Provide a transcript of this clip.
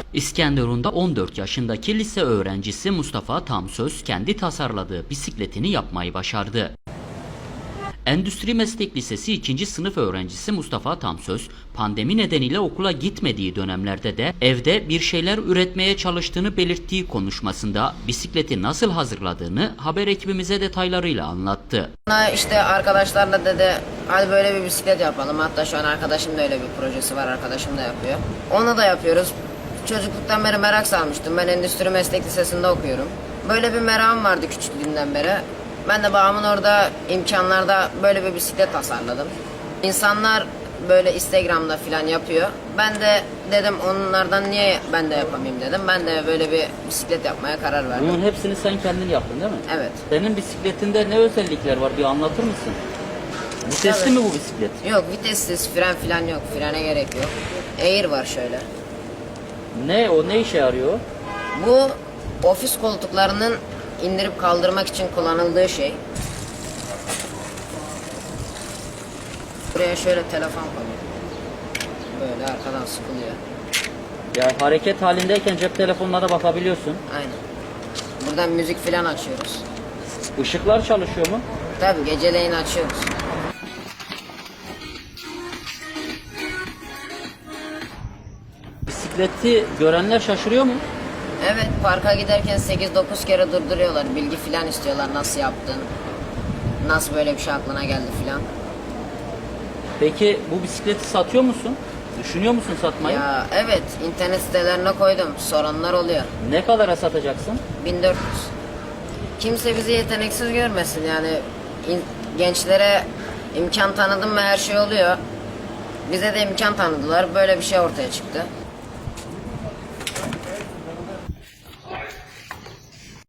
İskenderun'da 14 yaşındaki lise öğrencisi Mustafa Tamsöz kendi tasarladığı bisikletini yapmayı başardı. Endüstri Meslek Lisesi 2. sınıf öğrencisi Mustafa Tamsöz, pandemi nedeniyle okula gitmediği dönemlerde de evde bir şeyler üretmeye çalıştığını belirttiği konuşmasında bisikleti nasıl hazırladığını haber ekibimize detaylarıyla anlattı. İşte arkadaşlarla dedi hadi böyle bir bisiklet yapalım. Hatta şu an arkadaşım da öyle bir projesi var, arkadaşım da yapıyor. Onu da yapıyoruz. Çocukluktan beri merak salmıştım. Ben Endüstri Meslek Lisesi'nde okuyorum. Böyle bir merakım vardı küçüklüğümden beri. Ben de babamın orada imkanlarda böyle bir bisiklet tasarladım. İnsanlar böyle Instagram'da falan yapıyor. Ben de dedim onlardan niye ben de yapamayayım dedim. Ben de böyle bir bisiklet yapmaya karar verdim. Bunun hepsini sen kendin yaptın değil mi? Evet. Senin bisikletinde ne özellikler var, bir anlatır mısın? Vitesli Evet. mi bu bisiklet? Yok, vitessiz, fren falan yok. Frene gerek yok. Air var şöyle. Ne işe yarıyor? Bu ofis koltuklarının indirip kaldırmak için kullanıldığı şey. Buraya şöyle telefon koyuyor. Böyle arkadan sıkılıyor. Ya hareket halindeyken cep telefonuna da bakabiliyorsun. Aynen. Buradan müzik falan açıyoruz. Işıklar çalışıyor mu? Tabii geceleyin açıyoruz. Bisikleti görenler şaşırıyor mu? Evet, parka giderken 8-9 kere durduruyorlar. Bilgi falan istiyorlar, nasıl yaptın, nasıl böyle bir şey aklına geldi falan. Peki bu bisikleti satıyor musun? Düşünüyor musun satmayı? Ya evet, internet sitelerine koydum. Soranlar oluyor. Ne kadara satacaksın? 1400. Kimse bizi yeteneksiz görmesin yani. Gençlere imkan tanıdım mı her şey oluyor. Bize de imkan tanıdılar. Böyle bir şey ortaya çıktı.